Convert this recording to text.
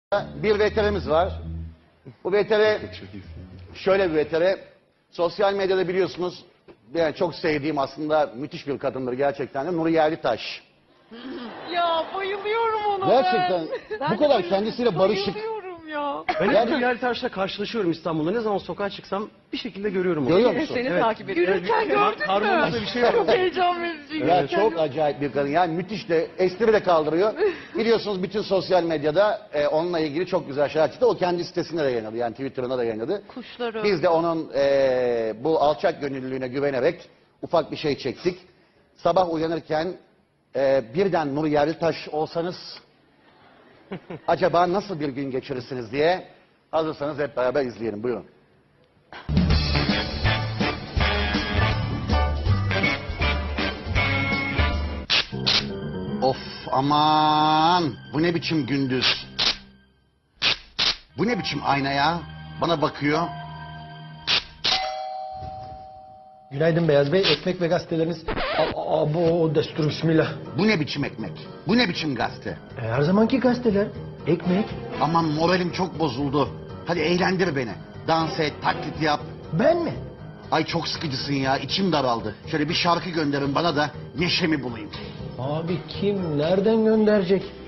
Bir veterimiz var. Bu vetere şöyle bir vetere. Sosyal medyada biliyorsunuz yani çok sevdiğim aslında müthiş bir kadındır gerçekten de Nuri Yerlitaş. Ya bayılıyorum ona Gerçekten ben. bu kadar kendisiyle barışık. Bayılıyorum ya. Ben hep Yani- Nuri Yerlitaş'la karşılaşıyorum İstanbul'da. Ne zaman sokağa çıksam bir şekilde görüyorum onu. Görüyor musun? Seni Evet. takip ediyorum. Yürürken gördün mü? Karnımda bir şey var. Çok heyecan verici. Ya çok acayip bir kadın. Yani müthiş de espri de kaldırıyor. Biliyorsunuz bütün sosyal medyada onunla ilgili çok güzel şeyler çıktı. O kendi sitesinde de yayınladı. Yani Twitter'ına da yayınladı. Kuşları. Biz de onun bu alçak gönüllülüğüne güvenerek ufak bir şey çektik. Sabah uyanırken birden Nuri Yerlitaş olsanız acaba nasıl bir gün geçirirsiniz diye hazırsanız hep beraber izleyelim. Buyurun. Of aman bu ne biçim gündüz. Bu ne biçim ayna ya? Bana bakıyor. Günaydın Beyaz Bey. Ekmek ve gazeteleriniz... Abo destur bismillah. Bu ne biçim ekmek? Bu ne biçim gazete? Her zamanki gazeteler. Ekmek. Aman moralim çok bozuldu. Hadi eğlendir beni. Dans et, taklit yap. Ben mi? Ay çok sıkıcısın ya, içim daraldı. Şöyle bir şarkı gönderin bana da neşemi bulayım. Abi kim? Nereden gönderecek?